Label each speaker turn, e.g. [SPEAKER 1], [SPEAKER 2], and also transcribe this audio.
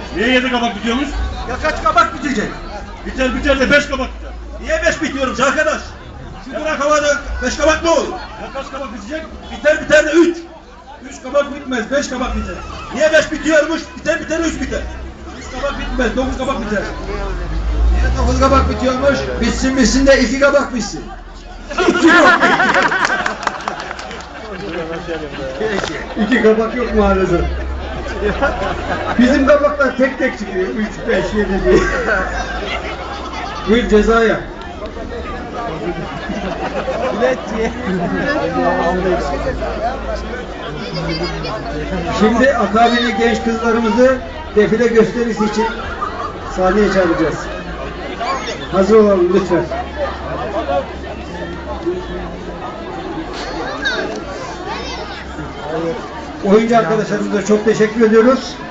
[SPEAKER 1] Niye 7 kabak bitiyormuş?
[SPEAKER 2] Ya kaç kabak bitecek?
[SPEAKER 1] Biter de 5 kabak biter.
[SPEAKER 2] Niye 5 bitiyormuş arkadaş? Şimdi bırak havada 5 kabak ne olur?
[SPEAKER 1] Ya kaç kabak bitecek?
[SPEAKER 2] Biter de 3. 3 kabak bitmez, 5 kabak biter. Niye 5 bitiyormuş? Biter 3 biter. 3 kabak bitmez, 9 kabak biter. Niye 9 kabak bitiyormuş? Bitsin de 2 kabak bitsin.
[SPEAKER 3] 2 kabak yok maalesef. Bizim kabaklar tek tek çıkıyor. 3, 5, 7 diye. Buyur cezaya. Şimdi akabili genç kızlarımızı defile gösterisi için sahneye çağıracağız. Hazır olalım lütfen. Oyuncu arkadaşlarımıza çok teşekkür ediyoruz.